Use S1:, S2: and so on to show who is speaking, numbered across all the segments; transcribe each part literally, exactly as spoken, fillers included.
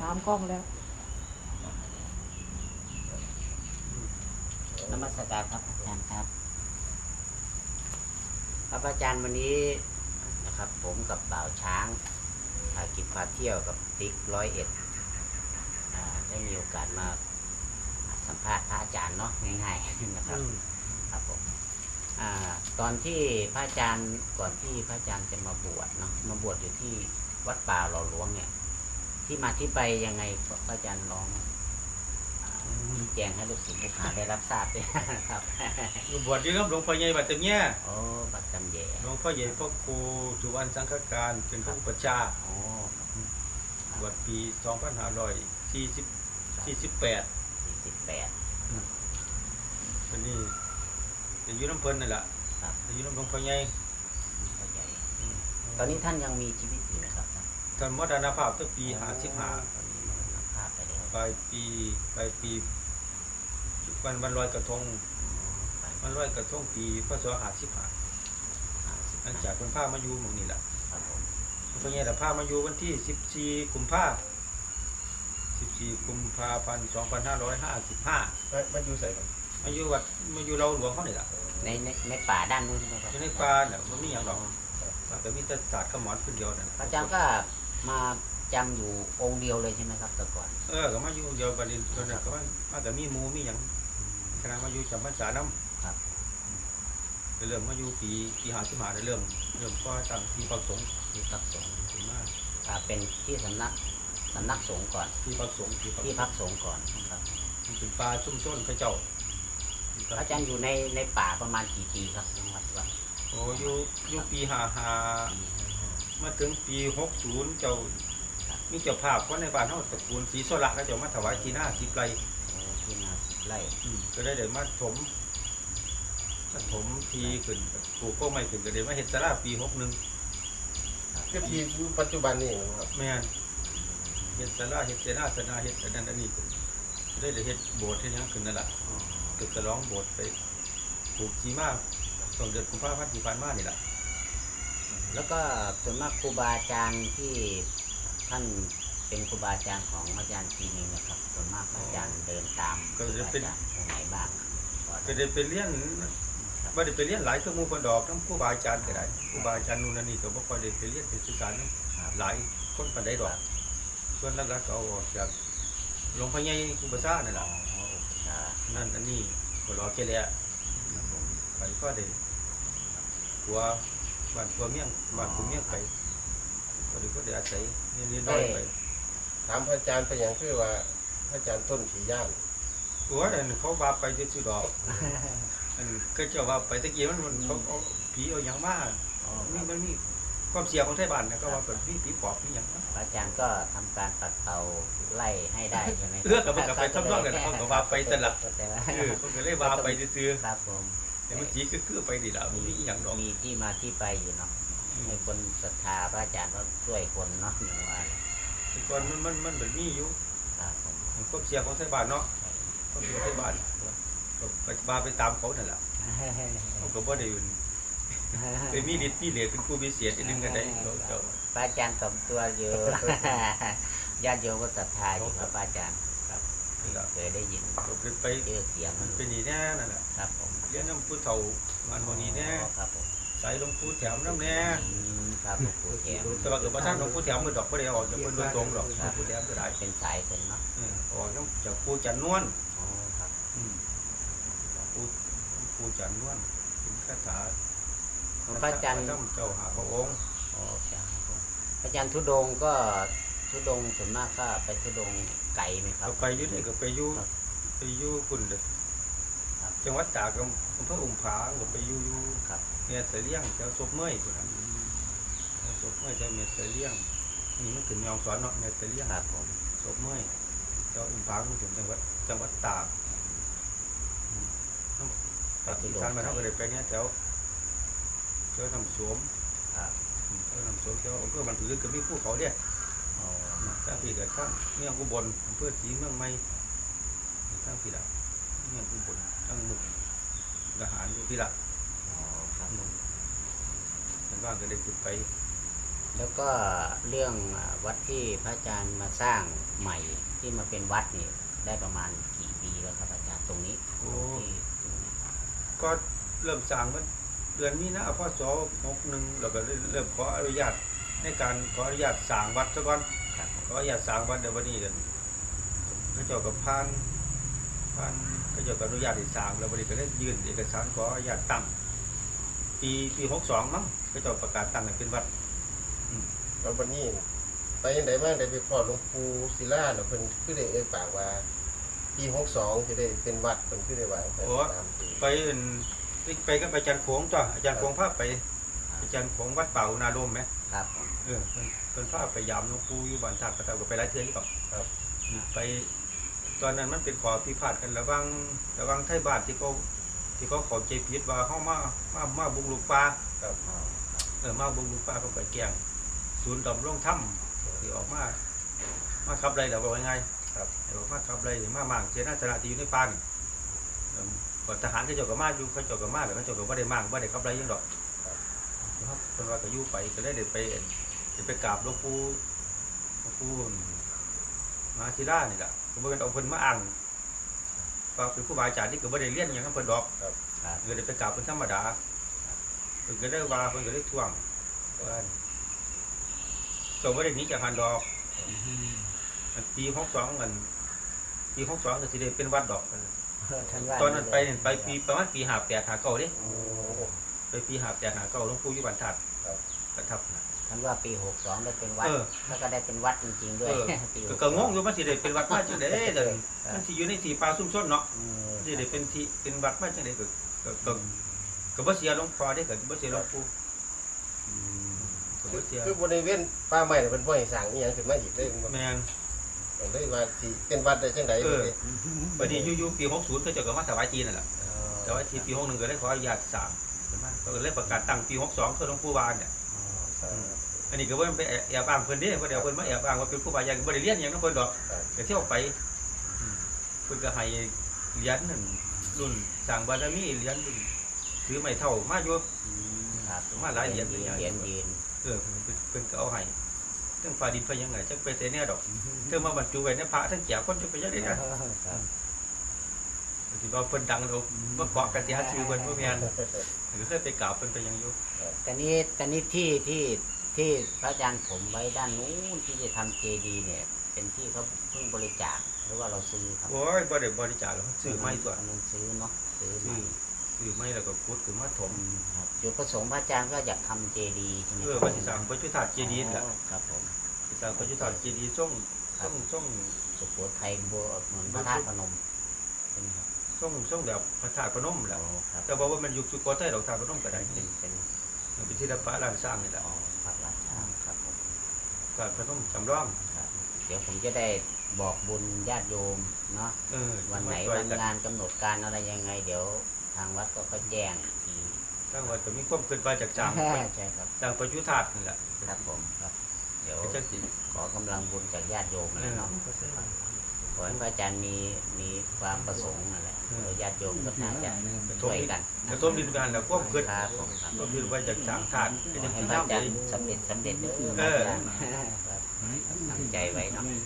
S1: ามกล้องแล้ว
S2: นมัสการครับอาจารย์ครับครับอาจารย์วันนี้นะครับผมกับบ่าวช้างพากินพาเที่ยวกับติ๊กร้อยเอ็ดได้มีโอกาสมาสัมภาษณ์พระอาจารย์เนาะง่ายๆนะครับครับผมอ่าตอนที่พระอาจารย์ก่อนที่พระอาจารย์จะมาบวชเนาะมาบวชอยู่ที่วัดป่าหล่อหลวงเนี่ยที่มาที่ไปยังไงพระอาจารย์ลองชี้แจงให้ลูกศิษย์ลูกหาได้รับทราบด้วยครับ
S3: บวชอยู่กับหลวงพ่อใหญ่บัดจำแย่
S2: โอ้บัดจำแย่
S3: หลวงพ่อใหญ่พ่อครูสุวรรณสังฆการเป็นผู้ประชา
S2: โอ้
S3: บวชปีสองพันห้าร้อยสี่สิบสี่สิบแปด
S2: สี่สิบแปด
S3: ตอนนี้จะอยู่น้ำเพลินนั่นแหละจะอยู่น้ำหลวงพ่อใหญ่
S2: ตอนนี้ท่านยังมีชีวิตอยู่ไหมครับ
S3: ท่านมรณภาพตั้งปีห้าสิบห้าปลายปีปลายปีวันวันลอยกระทงวันลอยกระทงปีพศห้าสิบห้าหลังจากคนพามาอยู่หมู่นี่แหละคนพ่อใหญ่แต่พามาอยู่วันที่สิบสี่กุมภาสิบสี่กุมภาพันธ์สองพันห้าร้อยห้าสิบห้า
S4: มาอยู่ใส่กัน
S3: มาอยู่วัดมาอยู่เราหลวงเขาเนี่ยแหละ
S2: ในในในป่าด้านนู้นใช่ไหมครับ
S3: ในป่าเนี่ยมันมีอย่างหรอกแต่มีแต่ศาสตร์ขมอนคนเดียวนั่น
S2: อาจารย์ก็มาจำอยู่องค์เดียวเลยใช่ไหมครับแต่ก่อน
S3: เออก็มาอยู่เดียวกันนี่ตอนนั้นก็ว่ามาแต่มีมูมีอย่างคณะมาอยู่จำพรรษาน้ำ
S2: ครับ
S3: เริ่มมาอยู่ปีปีหาสิบหาเริ่มเริ่มก็ตั้งที่พักสงฆ์
S2: ที่พักสงฆ์
S3: ถึงมาก
S2: เป็นที่สำนักสำนักสงฆ์ก่อน
S3: ที่พักสงฆ์
S2: ที่พักสงฆ์ก่อนครับ
S3: เป็นป่าชุ่มต้นพระเจ้า
S2: อาจารย์อยู่ในในป่าประมาณกี่ปีครับจังหวัดว่า
S3: โอ้อยู่อยู่ปีหาหามาถึงปีหกศูนย์เจ้ามีเจ้าภาพคนในบ้านเขาตระกูลศรีโซละก็จะมาถวายที่หน้าสิบไร่
S2: ที่หน้าสิบไร่
S3: ก็ได้เดี๋ยวมาถมมาถมทีขึ้นปลูกก็ไม่ขึ้นก็เดี๋ยวมาเห็ดสลาปีหกหนึ่ง
S4: ก็ทีปัจจุบันนี่ครับ
S3: แม่เห็ดสลาเห็ดเสนาสนาเห็ดอันนั้นอันนี้ได้เดี๋ยวเห็ดโบสถ์ที่ยังขึ้นนั่นแหละเกิดจะร้องโบสถ์ไปปลูกจีมากตอนเดือนกุมภาพันธ์ที่ผ่านมานี่แหละ
S2: แล้วก็ส่วนมากครูบาอาจารย์ที่ท่านเป็นครูบาอาจารย์ของอาจารย์ทีนึงนะครับส่วนมากอาจารย์เดินตาม
S3: ก็จะเป็น
S2: ไหนบ้าง
S3: ก็จะเป็นเลี้ยนว่าได้ไปเลี้ยนหลายเครื่องมือคนดอกทั้งครูบาอาจารย์ก็ได้ครูบาอาจารย์นู่นนี่ก็บ่ค่อยได้ไปเลี้ยนไปศึกษาหลายคนปานใดดอกส่วนหลักๆก็เอาจากหลวงพ่อใหญ่ครูบาซ่านั่นแหละนั่นอันนี้ก็รอแค่แล้วไปก็ได้หัวบ้านหัวเมี่ยงบ้านหัวเมี่ยงไปก็ได้ก็ได้อาศัยนี่น้อยไป
S4: ถามพระอาจารย์ไปอย่างคือว่าพระอาจารย์ต้นผีย่าน
S3: หัวนั่นเขาว่าไปที่สุดอกอันก็เจ้าว่าไปตะกี้มันมันเขาเอาผีเอาอย่างมากนี่มันมีความเสียของไทยบ้านนะก็ว่าแบบผีผีปอบผีอย่าง
S2: อาจารย์ก็ทำการตัดเตาไล่ให้ได้ใช่ไหม
S3: เลือกกับมันกับไปทำนองกันเขาก็ว่าไปตลอดเออเขาก็เลยว่าไปซื้อ
S2: ครับผม
S3: แต่มันสีก็คือไปดีแล้วมีอย่างดอก
S2: มีที่มาที่ไปอยู่เนาะให้คนศรัทธาพระอาจารย์ก็ช่วยคนเนาะอย่างว่า
S3: แต่ก่อนมันมันมันแบบนี้อยู่
S2: ครับผม
S3: ความเสียของไทยบ้านเนาะความเสียไทยบ้านก็ไปมาไปตามเขานั่นแหละเขาก็บ่ได้อยู่ไปมีฤทธิ์มีเหลือเป็นผู้พิเศษนึงกันได้
S2: พระอาจารย์สมตัวอยู่ญาติโยมก็ศรัทธาอยู่ครับพระอาจารย์ครับเคยได้ยิน
S3: ไป
S2: เจอเสียง
S3: มันเป็นนี่แน่นั่นแหละ
S2: ครับผม
S3: เรียนน้ำพุเฒ่างานวันนี้แน่
S2: ครับผม
S3: ใส่หลวงปู่แถมน้ำแน่
S2: ครับหลวงปู่แถม
S3: แต่ว่าเกิดมาท่านหลวงปู่แถมมือดอกไม่ได้ออกจากคนโดยตรงหรอกหลวงปู่แถมก็ได้
S2: เป็นสายเป็นเนาะ
S3: ออกจากปู่จันนวล
S2: อ๋อครับ
S3: ปู่ปู่จันนวลเป็นคาถา
S2: พระอาจารย์
S3: เจ้าหาพระองค์
S2: อ๋อพระอาจารย์ทุดงก็ทุดงส่วนมากก็ไปทุดงไก่ไหมครับ
S3: ไปยุ่นี่ก็ไปยุ่ไปยุ่คุณเด็ดจังหวัดตากอำเภออุ้มผาก็ไปยุ่ยุ่เนี่ยเสลียงเจ้าศพเมื่อยคนนั้นศพเมื่อยเจ้าเมียเสลียงนี่มันถึงยองสอนเนาะเมียเสลียง
S2: ครับผม
S3: ศพเมื่อยเจ้าอุ้มผามันถึงจังหวัดจังหวัดตากอีสานมาเท่ากันเลยไปเนี่ยแถวเจ้าทำสวมเจ้าทำสวมเจ้าอำเภอมันถือกับมีผู้เขาเนี่ยถ้าพี่เกิดข้างเมืองอุบลอำเภอศรีเมืองใหม่ข้างพี่ละเมืองอุบลข้างมุกทหารอยู่พี่ละเป็นว่างก็ได้ขึ้นไป
S2: แล้วก็เรื่องวัดที่พระอาจารย์มาสร้างใหม่ที่มาเป็นวัดนี่ได้ประมาณกี่ปีแล้วครับอาจารย์ตรงนี้
S3: โอ้
S2: ที่ตรงนี้
S3: ก็เริ่มสร้างมันเดือนมีนาพศหกสิบเอ็ดแล้วก็เริ่มขออนุญาตในการขออนุญาตสร้างวัดซะก่อน
S2: ครับผม
S3: ขออนุญาตสร้างวัดเดี๋ยววันนี้กันพระเจ้ากับพานพานพระเจ้ากับอนุญาตให้สร้างแล้ววันนี้ก็ได้ยื่นเอกสารขออนุญาตตั้งปีปีหกสองมั้งพระเจ้าประกาศตั้งให้เป็นวัด
S4: แล้ววันนี้ไปยังไดมาได้ไปพอหลวงปู่ศิลาแล้วเพิ่นคือได้เอ่ยปากว่าปีหกสองสิได้เป็นวัดเพิ่นคือได้ว่าไปตามปี
S3: ไปเอิ่นไปกับอาจารย์โขงจ้ะอาจารย์โขงพาไปอาจารย์โขงวัดเป่านาลมไหม
S2: ครับผม
S3: เออเพิ่นเพิ่นพาไปยามหลวงปู่อยู่บ้านท่าประทับก็ไปหลายเทื่อนี่ก็
S4: ครับ
S3: ไปตอนนั้นมันเป็นขอพิพาทกันระหว่างระหว่างไทยบ้านที่เขาที่เขาเข้าใจผิดว่าเฮามามามาบุกรุกป่า
S4: ครับ
S3: เออมาบุกรุกป่าเขาไปแกล้งศูนย์ดำรงธรรมที่ออกมามาขับไล่แล้วว่ายังไง
S4: ครับ
S3: เดี๋ยวมาขับไล่มามั่งเจนาสนะที่อยู่ในป่านี่เออก็ทหารเขาเจ้าก็มาอยู่เขาเจ้าก็มาแล้วเขาเจ้าก็บ่ได้มั่งบ่ได้ขับไล่หยังดอก ครับเพิ่นว่าก็อยู่ไปก็ได้เดินไปเอ็นเดินไปกราบหลวงปู่หลวงปู่มหาศิลานี่ล่ะก็บ่เป็นเอาเพิ่นมาอ้างว่าเป็นครูบาอาจารย์ที่ก็บ่ได้เรียนหยังกับเพิ่นดอก
S2: ครับ
S3: ก็ได้ไปกราบเพิ่นธรรมดาเพิ่นก็ได้ว่าเพิ่นก็ได้ท่วงว่าก็บ่ได้หนีจากหันดอกอันปีหกสองกันปีหกสองก็สิได้เป็นวัดดอก
S2: ท่านว่า
S3: ตอนนั้นไปนี่ไปปีประมาณปีห้าแปด ห้าเก้าเด้
S4: โอ้
S3: ไปปีห้าแปด ห้าเก้าหลวงปู่อยู่บ้านธาตุ
S4: ครับ
S3: ประทับนะ
S2: ท่านว่าปีหกสองได้เป็นวัด
S3: เออ
S2: แล้วก็ได้เป็นวัดจริงๆด้วย
S3: เออ
S2: ปี
S3: ก็
S2: ห
S3: ก็
S2: ส
S3: งงอยู่มันสิได้เป็นวัดมาจังได๋เด้อมันสิอยู่ในที่ป่าซุ่มซ่นเนาะ
S2: เออ
S3: สิได้เป็นที่เป็นวัดมาจังได๋ก็ก็ก็ก็บ่เสียหลวงพ่อเด้ก็บ่เสียหลวงปู่
S2: อืม
S3: ก็
S4: คื
S3: บ่
S4: อ
S3: เสีย
S4: คือบริเวณป่าไม้น่ะเพิ่นบ่ให้สร้างอีหยังขึ้นมาอีกเลย
S3: แม่น
S4: ก็เลยว่าสิเป็นวัดได้จังได๋
S3: เออ
S4: เด้
S3: บัดนี้อยู่ๆปีหกสิบเขาเจ้าก็มาถวายที่นั่นแหละถวายที่ปีหกสิบเอ็ดก็ได้ขออนุญาตสร้างขึ้นมาก็เลยประกาศตั้งปีหกสิบสองคือหลวงปู่วานเนี่ย
S4: อ๋อ
S3: อันนี้ก็บ่ไปแอบอ้างเพิ่นเด้บ่ได้เอาเพิ่นมาแอบอ้างว่าเป็นครูบาอาจารย์บ่ได้เรียนหยังนำเพิ่นดอก
S4: ครับ
S3: ก็เที่ยวไปอืมเพิ่นก็ให้เหรียญนั่นรุ่นสร้างบารมีเหรียญรุ่นถือไม้เท่ามาอยู่
S2: อืมครับ
S3: มาหลายเหรียญ
S2: เห
S3: เลย
S2: รียญยืน
S3: เออเพิ่นเพิ่นก็เอาให้ทั้งฟ้าดินไปยังไงจักไปเสแน่ดอกเธอมาบรรจุไว้ในพระทั้งแก่คนจะไปยังได๋นะครับ ที่ว่าเพิ่นดังเราบ่เกาะกันสิหาชื่อเพิ่นบ่แม่นก็เคยไปกราบเพิ่นไปยังอยู่
S2: แต่นี้แต่นี้ที่ที่ที่พระอาจารย์ผมไว้ด้านนู้นที่จะทำเจดีย์เนี่ย เป็นที่เขาเพิ่งบริจาคหรือว่าเราซื้อครับ
S3: โอ้ยบ่ได้บริจาคหรอกซื้อไม้ตัว
S2: อันนั้นซื้อเนาะซื้อ
S3: ซื้
S2: ใหม่
S3: อซื้อไม้แล้วก็ขุดขึ้นมาถม
S2: ครับจุดประสงค์พระอาจารย์ก็อยากทำเจดีย์ใช่ไหม
S3: เออว่าสิสร้างพระจุธาตุเจดีย์นั่นแหละ
S2: อ๋อครับผม
S3: สิสร้างพระจุธาตุเจดีย์ทรงทรงทรง
S2: สุโขทัยโบเหมือนพระธาตุพนมเป็นครับ
S3: ทรงทรงแบบพระธาตุพนมแหละ
S2: อ๋อครับ
S3: แต่ว่ามันอยู่สุโขทัยดอกธาตุพนมก็ได้
S2: เป็นเป็น
S3: มันเป็นศิลปะล้านสร้างนี่แหละ
S2: อ๋อพระราชาครับผม
S3: ธาตุพนมจำลอง
S2: ครับเดี๋ยวผมจะได้บอกบุญญาติโยมเนาะ
S3: เออ
S2: วันไหน
S3: มาช่ย
S2: วัน
S3: กั
S2: งานกำหนดการอะไรยังไง เดี๋ยวทางวัดก็ก็แจ้งอีกที
S3: ทางวัดก็มีความคิดว่าจากสร้าง
S2: ใช่ครับ
S3: สร้างพระจุธาตุนี่แหละ
S2: ครับผมครับ เดี๋ยว
S3: ก็จังสิ
S2: ขอกำลังบุญจากญาติโยม
S3: เอ
S2: อะไร
S3: อ
S2: เนาะขอให้พระอาจารย์มีมีความประสงค์นั่นแหละ
S3: เออ
S2: เดี๋ยวญาติโยมก็น่าจะช่วยกัน
S3: แล้วต้มดินกันแล้วความคิด
S2: ครับผมครับ
S3: ต้มดินว่าจากสร้างธาตุก็
S2: ขอ
S3: จะ
S2: ให้
S3: สิ
S2: พระ
S3: ทำ
S2: อา
S3: ได้
S2: จารย์สำเร็จสำเร็จเด้อ
S3: เออ
S2: พระอาจารย์ครับตั้งใจไว้เนาะ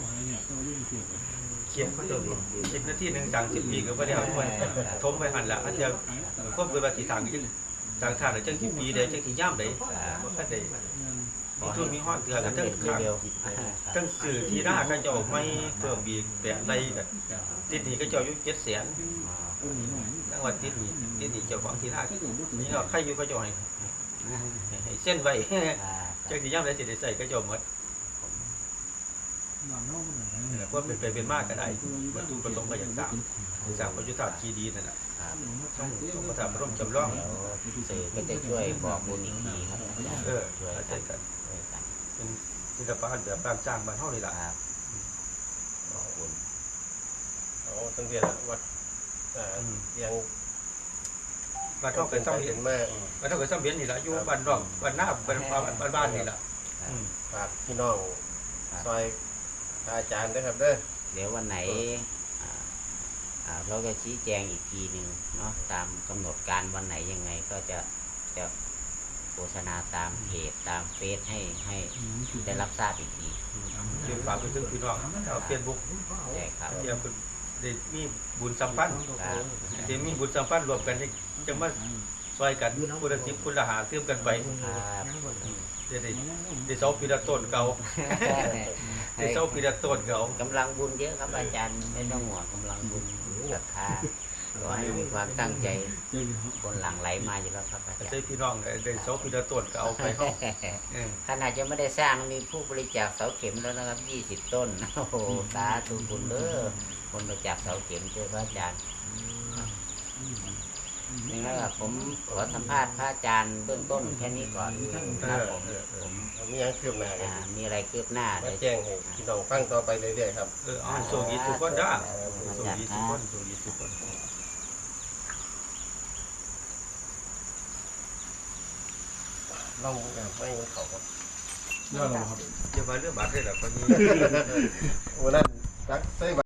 S3: เขียนเขาเจ้าสิบนาทีหนึงสั่งสิบปีก็บ่ได้เอาไว้ทมไว้หั่นล่ะอันเดียวความคิดว่าสิสร้างจังสร้างธาตุได้จังสิบปีได้จังสิยามได้บ่คันได้มีทุนมีฮอดเกือกันทั้ง
S2: สำเร็จ
S3: ข้าง
S2: เร็ว
S3: ทั้งสื่อที่หน้าเขาเจ้าไม่เพิ่มอีกแปดไรกันติดหนี้เขาเจ้าอยู่เจ็ดแสนทั้งวันติดหนี้ติดหนี้เจ้าของที่หน้านี่เราใครอยู่เขาเจ้าให้ให้เส้นไว้ จังสิย่ำได้สิได้ใส่เขาเจ้าหมดเพราะเป็นไปเป็นมากก็ได้บรรทุประสงค์ก็อย่างสร้างสร้างพระยุทธาตุคีดีนั่นแหละ
S2: ครับ
S3: ต้องต้องพระธาตุพระร่มจำลอง
S2: เดี๋ยวสื่อก็จะช่วยบอกบุญอีกทีครับอาจารย์
S3: เออ
S2: ช่วย
S3: เข้าใจ
S2: กัน
S3: กัน
S2: ช่วยกัน
S3: เป็นศิลปะแบบบ้านสร้างบ้านเฮานี่ล่ะ
S2: ครับบอกบุญ
S4: อ๋อตั้งแต่วัดอ่ายัง
S3: บ้านเฮาก็ซ้ำเห็
S4: เห็
S3: น
S4: นมาก
S3: บ้านเฮาก็ซ้ำเห็นนี่ล่ะอยู่บ้านนอกบ้านหน้าบ้านบ้านบ้านนี่ล่ะอืม
S4: ฝากพี่น้องซอยพระอาจารย์ด้วยครับเด้อ
S2: เดี๋ยววันไหนอ่าอ่าเราจะชี้แจงอีกทีหนึ่งเนาะตามกำหนดการวันไหนยังไงก็จะจะฆษณาตามเพจตามเฟซให้ให้ได้รับทราบอีกที
S3: เรียนฝากไปถึงพี่น้องชาวเฟซบุ๊ก
S2: ใช่ครับ
S3: ที่เพิ่นได้มีบุญสัมพันธ์
S2: ครับ
S3: ที่มีบุญสัมพันธ์รวมกันนี่จังมาซอยกันคนละสิบคนละหาเติมกันไป
S2: ครับ
S3: ได้ได้ได้เสาปีละต้นเก่าได้เสาปีละต้นเก่าก
S2: ำลังบุญเยอะครับอาจารย์ไม่ต้องห่วงกำลังบุญศรัทธาขอให้มีความตั้งใจคนหลั่งไหลมาอยู่แล้วครับอาจาร
S3: ใช่
S2: ย์
S3: พี่น้องได้ได้เสาปีละต้นก็เอาไปเฮาเออ
S2: ขนาดจะไม่ได้สร้างมีผู้บริจาคเสาเข็มแล้วนะครับยี่สิบต้นโอ้โหสาธุบุญเด้อคนบริจาคเสาเข็มเจอพระอาจารย์นี่นะครับผมขอสัมภาษณ์พระอาจารย์เบื้องต้นแค่นี้ก่อนครับผมผม
S4: มีหยังคืบหน้ากัน
S2: อ่ามีอะไรคืบหน้า
S4: มา
S2: เลย
S4: แจ้งให้พี่น้องฟังต่อไปเรื่อยๆครับ
S3: เอออ่านโชคดีทุกคนจ้าโชคดีทุกคนโชคดีทุกคน
S4: ลองแบบไม่เขาครับ
S3: อย่ามาเรื่องบาดได้ล่ะคนนี้
S4: วันนั้นรักใส่